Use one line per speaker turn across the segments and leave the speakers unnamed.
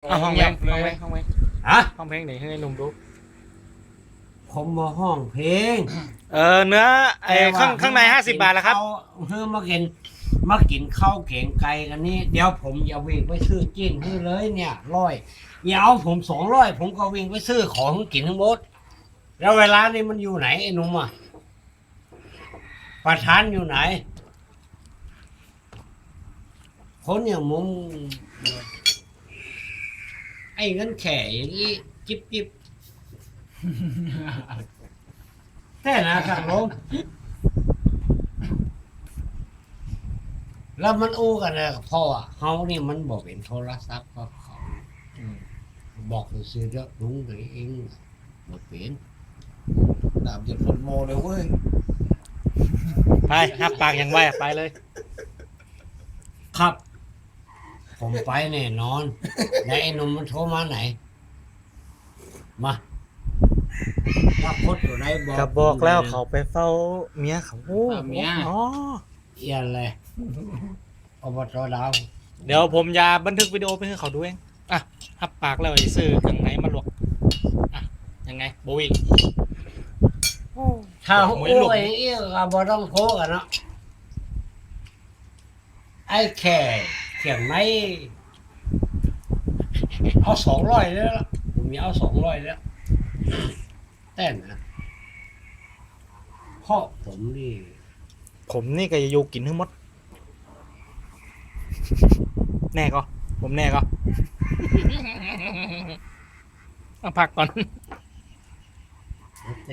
เอาห้องเพลงห้องเพลงห้องเพลง
ฮะ
ห้องเพลงไหนให้หนุ่มดู
ผมมาห้องเพลง
เนื้อไอ้ข้างใน50 บาทแล้วครับ
เฮ้ยมากินข้าวเก่งไก่กันนี่เดี๋ยวผมอย่าวิ่งไปซื้อจิ้นให้เลยเนี่ยอย่าเอาผม200ผมก็วิ่งไปซื้อของกินทั้งหมดแล้วเวลานี่มันอยู่ไหนไอ้หนุ่มอ่ะประธานอยู่ไหนคนอย่างมึงไอ้เงินแข่อย่างนี้จิบแค่นะครับผมแล้วมันอู้กันเลยพ่อเขานี่มันบอกเป็นโทรศัพท์ก็เขาบอกซื้อเด้อลุงตัวเองบอกเป็น
ดาบจะพลโมเลยเว้ย
ไปหับปากอย่างไวไปเลย
ครับ ผมไปแน่นอนแล้วไอ้หนุ่มมันโทรมาไหนมาถ้าพดอยู่ไหนบอก
ก็บอกแล้วเขาไปเฝ้าเมียเขา
เฝ้าเมีย
อ๋อ
เอียนเลยอบตดาว
เดี๋ยวผมจะบันทึกวิดีโอไปให้เขาดูเองอ่ะหับปากแล้วไอ้ซื้อเครื่องไหนมาลวกอ่ะยังไงโบวิง
ถ้า
หม
โอ้
วยหลุม
ยเอี้ยก็บ่ต้องโทรกันเนาะไอ้แค่เขียงไหนเอา200แล้วล่ะผมมีเอา200แล้วแต่นะเพราะผมนี่
ผมนี่ก็จะอยู่กินทั้งหมด แน่ก็ ผมแน่ก็ เอาพักก่อน
แต่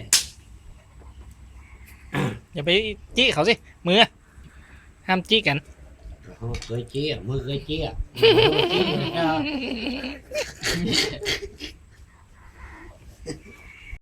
อย่าไปจี้เขาสิ มือ ห้ามจี้กัน
เคยเจี๊ยมือเคยเจี๊ย